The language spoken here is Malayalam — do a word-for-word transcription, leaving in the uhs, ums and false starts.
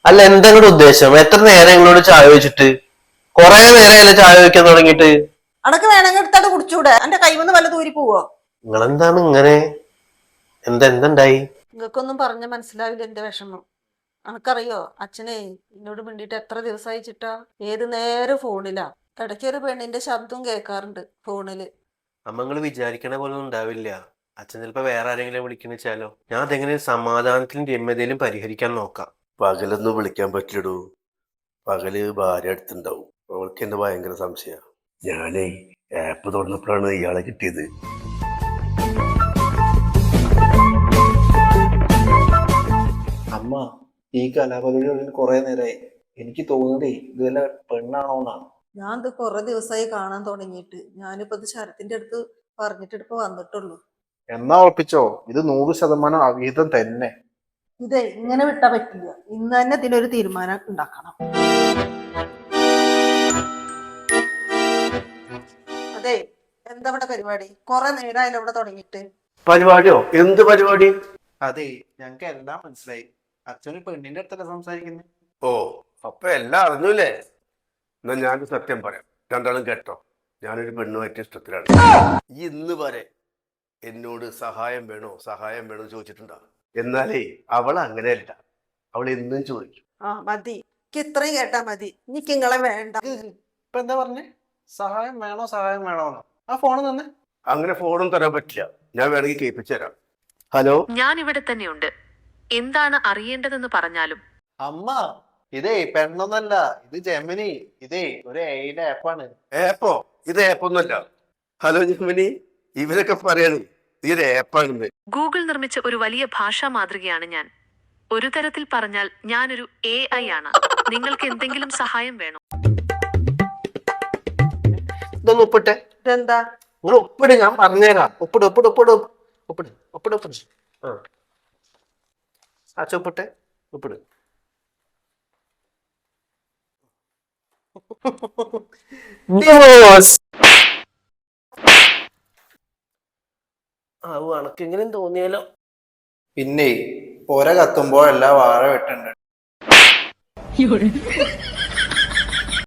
അല്ല എന്താ നിങ്ങളുടെ ഉദ്ദേശം? എത്ര നേരം നിങ്ങളോട് ചായ വെച്ചിട്ട്? കൊറേ നേരമല്ലേ ചായ വെക്കാൻ തുടങ്ങിയിട്ട്? അനക്ക് വേണമെങ്കിൽ എടുത്താട്ട് കുടിച്ചൂടെ? എന്റെ കൈവന്ന് വല്ല ദൂരി പോവോ? നിങ്ങളെന്താണ് ഇങ്ങനെ? എന്താ എന്തുണ്ടായി? നിങ്ങൾക്കൊന്നും പറഞ്ഞ മനസ്സിലാവില്ല എന്റെ വിഷമം. അനക്കറിയോ അച്ഛനെ എന്നോട് മിണ്ടിട്ട് എത്ര ദിവസമായി ചിട്ടാ? ഏത് നേരം ഫോണിലാ. ഇടയ്ക്കൊരു പെണ്ണിന്റെ ശബ്ദം കേൾക്കാറുണ്ട് ഫോണില്. അമ്മ നിങ്ങൾ വിചാരിക്കണ പോലെ ഒന്നും ഉണ്ടാവില്ല. അച്ഛൻ ചിലപ്പോ വേറെ ആരെങ്കിലും വിളിക്കുന്ന വെച്ചാലോ? ഞാൻ അതെങ്ങനെ സമാധാനത്തിലും രമ്യതയിലും പരിഹരിക്കാൻ നോക്കാം. പകലൊന്നും വിളിക്കാൻ പറ്റില്ലടൂ. പകല് ഭാര്യ അടുത്തുണ്ടാവും. അവൾക്ക് എന്നെ ഭയങ്കര സംശയ. ഞാനേ ആപ്പ് തുറന്നപ്പോഴാണ് ഇയാളെ കിട്ടിയത്. അമ്മ, ഈ കലാപരിപാടികളിൽ കുറെ നേരമായി. എനിക്ക് തോന്നുന്നതേ ഇത് വല്ല പെണ്ണാണോന്നാണ്. ഞാൻ ഇത് കുറെ ദിവസമായി കാണാൻ തുടങ്ങിയിട്ട്. ഞാനിപ്പോ ഇത് ശരത്തിന്റെ അടുത്ത് പറഞ്ഞിട്ട് ഇപ്പൊ വന്നിട്ടുള്ളൂ. എന്നാ ഉറപ്പിച്ചോ, ഇത് നൂറ് ശതമാനം അവിഹിതം തന്നെ. ഇതേ ഇങ്ങനെ വിട്ടാ പറ്റില്ല. ഇന്ന് തന്നെ ഇതിനൊരു തീരുമാനം ഉണ്ടാക്കണം. അതെ, എന്താ ഇവിടെ പരിപാടി? കുറെ നേരമായാലും ഇവിടെ തുടങ്ങിയിട്ട്. പരിപാടിയോ? എന്ത് പരിപാടി? അതെ, ഞങ്ങക്ക് എല്ലാം മനസ്സിലായി. അച്ഛന് പെണ്ണിന്റെ അടുത്തല്ല സംസാരിക്കുന്നത്. ഓ, അപ്പൊ എല്ലാം അറിഞ്ഞൂലേ? എന്നാ ഞാനൊരു സത്യം പറയാം, രണ്ടാളും കേട്ടോ. ഞാനൊരു പെണ്ണുമായിട്ട് ഇഷ്ടത്തിലാണ്. ഈ ഇന്ന് വരെ എന്നോട് സഹായം വേണോ സഹായം വേണോ ചോദിച്ചിട്ടുണ്ടോ? എന്നാലേ അവൾ അങ്ങനെയല്ല. അവൾ എന്നും ചോദിക്കും. ആ മതി, എനിക്ക് ഇത്രയും കേട്ടാ മതി. എനിക്ക് നിങ്ങളെ വേണ്ട. ഇപ്പൊ എന്താ പറഞ്ഞേ? സഹായം വേണോ സഹായം വേണോന്നോ? ആ ഫോണ് തന്നെ. അങ്ങനെ ഫോണും തരാൻ പറ്റില്ല. ഞാൻ വേണമെങ്കിൽ കേൾപ്പിച്ചു തരാം. ഹലോ, ഞാൻ ഇവിടെ തന്നെയുണ്ട്. എന്താണ് അറിയേണ്ടതെന്ന് പറഞ്ഞാലും. അമ്മ, ഇതേ പെണ്ണൊന്നല്ല, ഇത് ജെമിനി. ഇതേ ഒരു എയുടെ ആപ്പാണ്. ഏപ്പോ? ഇത് ഏപ്പൊന്നുമല്ല. ഹലോ ജെമിനി, ഇവരൊക്കെ പറയാണ് ഇത് ഏപ്പാണെന്ന്. ഗൂഗിൾ നിർമ്മിച്ച ഒരു വലിയ ഭാഷാ മാതൃകയാണ് ഞാൻ. ഒരു തരത്തിൽ പറഞ്ഞാൽ ഞാനൊരു എ ഐ ആണ്. നിങ്ങൾക്ക് എന്തെങ്കിലും സഹായം വേണോ? ഇതൊന്ന് ഒപ്പിട്ടെ. ഇതെന്താ? നിങ്ങൾ ഒപ്പിട്, ഞാൻ പറഞ്ഞുതരാം. ഒപ്പിട് ഒപ്പിട് ഒപ്പിട് ഒപ്പിട് ഒപ്പിട് ഒപ്പിട്. ആ അച്ഛ ഒപ്പിട്ടെ, ഒപ്പിട്. ആ അണക്കെങ്കിലും തോന്നിയാലോ? പിന്നെ പുര കത്തുമ്പോ എല്ലാ വാഴ വെട്ടുണ്ട്.